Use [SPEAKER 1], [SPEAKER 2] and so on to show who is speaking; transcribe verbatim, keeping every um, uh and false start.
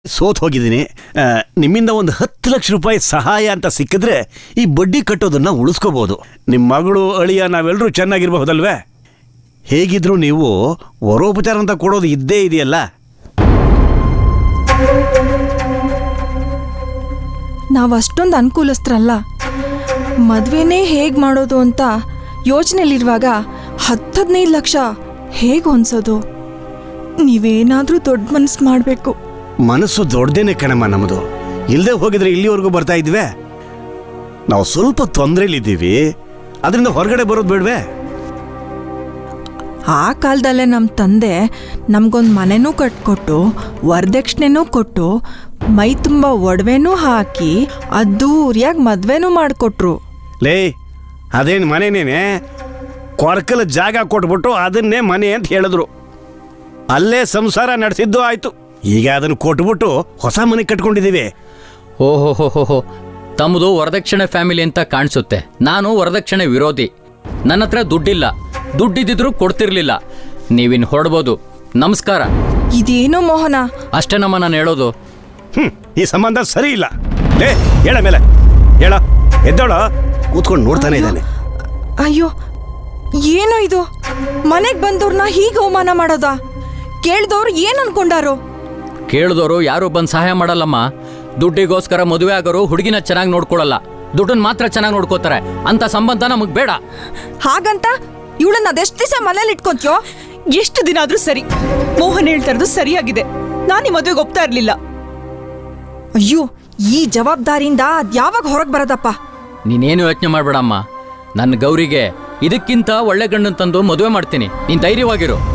[SPEAKER 1] ಸೋತ್ ಹೋಗಿದ್ದೀನಿ. ನಿಮ್ಮಿಂದ ಒಂದು ಹತ್ತು ಲಕ್ಷ ರೂಪಾಯಿ ಸಹಾಯ ಅಂತ ಸಿಕ್ಕಿದ್ರೆ ಈ ಬಡ್ಡಿ ಕಟ್ಟೋದನ್ನ ಉಳಿಸ್ಕೋಬಹುದು. ನಿಮ್ಮ ಮಗಳು ಅಳಿಯ ನಾವೆಲ್ಲರೂ ಚೆನ್ನಾಗಿರಬಹುದಲ್ವೇ? ಹೇಗಿದ್ರು ನೀವು ವರೋಪಚಾರ ಅಂತ ಕೊಡೋದು ಇದ್ದೇ ಇದೆಯಲ್ಲ.
[SPEAKER 2] ನಾವು ಅಷ್ಟೊಂದು ಅನುಕೂಲಸ್ಥರಲ್ಲ. ಮದುವೆನೇ ಹೇಗೆ ಮಾಡೋದು ಅಂತ ಯೋಚನೆಯಲ್ಲಿರುವಾಗ ಹತ್ತು ಹದಿನೈದು ಲಕ್ಷ ಹೇಗೆ ಹೊಂದ್ಸೋದು? ನೀವೇನಾದರೂ ದೊಡ್ಡ ಮನಸ್ಸು ಮಾಡಬೇಕು.
[SPEAKER 1] ಮನಸ್ಸು ದೊಡ್ಡದೇನೆ ಕಣಮ್ಮ ನಮ್ಮದು. ಇಲ್ಲದೆ ಹೋಗಿದ್ರೆ ಇಲ್ಲಿವರೆಗೂ ಬರ್ತಾ ಇದ್ವಿ. ನಾವು ಸ್ವಲ್ಪ ತೊಂದರೆಲಿದ್ದೀವಿ, ಅದರಿಂದ ಹೊರಗಡೆ ಬರೋದು ಬೇಡವೇ?
[SPEAKER 2] ಆ ಕಾಲದಲ್ಲೇ ನಮ್ಮ ತಂದೆ ನಮಗೊಂದು ಮನೆನೂ ಕಟ್ಕೊಟ್ಟು ವರದಕ್ಷಿಣೆನೂ ಕೊಟ್ಟು ಮೈ ತುಂಬ ಒಡವೆನೂ ಹಾಕಿ ಅದ್ದೂರಿಯಾಗಿ ಮದುವೆನೂ ಮಾಡಿಕೊಟ್ರು.
[SPEAKER 1] ಲೇ, ಅದೇನು ಮನೆನೇನೆ? ಕೊರಕಲ ಜಾಗ ಕೊಟ್ಬಿಟ್ಟು ಅದನ್ನೇ ಮನೆ ಅಂತ ಹೇಳಿದ್ರು. ಅಲ್ಲೇ ಸಂಸಾರ ನಡೆಸಿದ್ದು ಆಯ್ತು. ಈಗ ಅದನ್ನು ಕೊಟ್ಬಿಟ್ಟು ಹೊಸ ಮನೆ ಕಟ್ಕೊಂಡಿದ್ದೀವಿ.
[SPEAKER 3] ಓಹೋ ಹೋ ಹೋ ಹೋ ತಮ್ಮದು ವರದಕ್ಷಿಣೆ ಫ್ಯಾಮಿಲಿ ಅಂತ ಕಾಣಿಸುತ್ತೆ. ನಾನು ವರದಕ್ಷಿಣೆ ವಿರೋಧಿ. ನನ್ನ ಹತ್ರ ದುಡ್ಡಿಲ್ಲ, ದುಡ್ಡಿದ್ದಿದ್ರು ಕೊಡ್ತಿರ್ಲಿಲ್ಲ. ನೀವಿನ್ ಹೊರಡ್ಬೋದು. ನಮಸ್ಕಾರ.
[SPEAKER 2] ಇದೇನೋ ಮೋಹನ,
[SPEAKER 3] ಅಷ್ಟೇನಮ್ಮ ನಾನು ಹೇಳೋದು.
[SPEAKER 1] ಹ್ಮ್ ಈ ಸಂಬಂಧ ಸರಿ ಇಲ್ಲ. ಲೇ, ಹೇಳ ಮೇಲೆ ಹೇಳ. ಎದ್ದೋಳ ಕೂತ್ಕೊಂಡು ನೋಡ್ತಾನೆ ಇದ್ದಾನೆ.
[SPEAKER 2] ಅಯ್ಯೋ ಏನೋ ಇದು? ಮನೆಗೆ ಬಂದವ್ರನ್ನ ಹೀಗೆ ಅವಮಾನ ಮಾಡೋದಾ? ಕೇಳ್ದವ್ರು ಏನ್ ಅನ್ಕೊಂಡಾರು?
[SPEAKER 3] ಕೇಳಿದವರು ಯಾರು ಬಂದು ಸಹಾಯ ಮಾಡಲ್ಲಮ್ಮ. ದುಡ್ಡಿಗೋಸ್ಕರ ಮದುವೆ ಆಗೋರು ಹುಡುಗಿನ ಚೆನ್ನಾಗಿ ನೋಡ್ಕೊಳ್ಳಲ್ಲ, ದುಡ್ಡನ್ನ ಮಾತ್ರ ಚೆನ್ನಾಗಿ ನೋಡ್ಕೋತಾರೆ. ಅಂತ ಸಂಬಂಧ ನಮಗ್ ಬೇಡ.
[SPEAKER 2] ಹಾಗಂತ ಇವಳನ್ನ ಅದೆಷ್ಟು ದಿವಸ ಮನೇಲಿ ಇಟ್ಕೊಂತೀಯೋ?
[SPEAKER 4] ಎಷ್ಟು ದಿನ ಆದ್ರೂ ಸರಿ. ಮೋಹನ್ ಹೇಳ್ತಾ ಇರೋದು ಸರಿಯಾಗಿದೆ. ನಾನು ಈ ಮದುವೆಗೆ ಒಪ್ತಾ ಇರ್ಲಿಲ್ಲ.
[SPEAKER 2] ಅಯ್ಯೋ, ಈ ಜವಾಬ್ದಾರಿಯಿಂದ ಅದ್ಯಾವಾಗ ಹೊರಗೆ ಬರೋದಪ್ಪ?
[SPEAKER 3] ನೀನೇನು ಯೋಚನೆ ಮಾಡ್ಬೇಡಮ್ಮ. ನನ್ನ ಗೌರಿಗೆ ಇದಕ್ಕಿಂತ ಒಳ್ಳೆ ಗಂಡನ್ ತಂದು ಮದುವೆ ಮಾಡ್ತೀನಿ. ನೀನ್ ಧೈರ್ಯವಾಗಿರು.